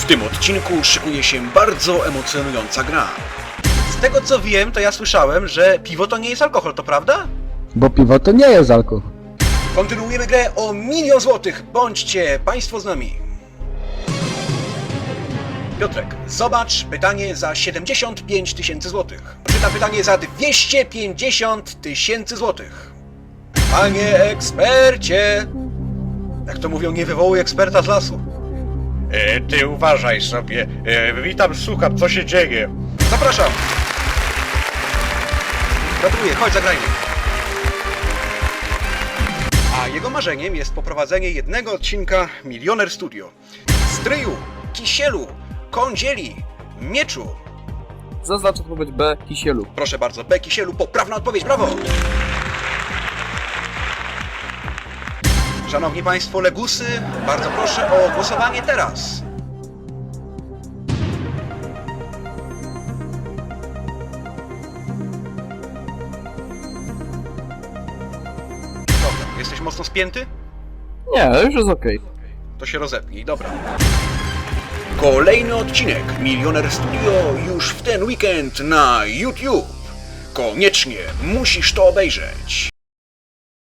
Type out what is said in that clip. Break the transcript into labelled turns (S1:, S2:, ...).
S1: tym odcinku szykuje się bardzo emocjonująca gra. Z tego co wiem, to ja słyszałem, że piwo to nie jest alkohol, to prawda?
S2: Bo piwo to nie jest alkohol.
S1: Kontynuujemy grę o 1 000 000 złotych. Bądźcie Państwo z nami. Piotrek, zobacz pytanie za 75 000 złotych. Czytam pytanie za 250 000 złotych. Panie ekspercie! Jak to mówią, nie wywołuj eksperta z lasu.
S3: Ty uważaj sobie. Witam, słucham, co się dzieje?
S1: Zapraszam! Gratuluję, chodź, zagrajmy. A jego marzeniem jest poprowadzenie jednego odcinka Milioner Studio. Stryju, kisielu, kądzieli, mieczu.
S4: Zaznacz odpowiedź B. Kisielu.
S1: Proszę bardzo, B. Kisielu, poprawna odpowiedź, brawo! Szanowni Państwo legusy, bardzo proszę o głosowanie teraz. Dobra, jesteś mocno spięty?
S4: Nie, już jest okej.
S1: To się rozepnij, dobra. Kolejny odcinek Milioner Studio już w ten weekend na YouTube. Koniecznie musisz to obejrzeć.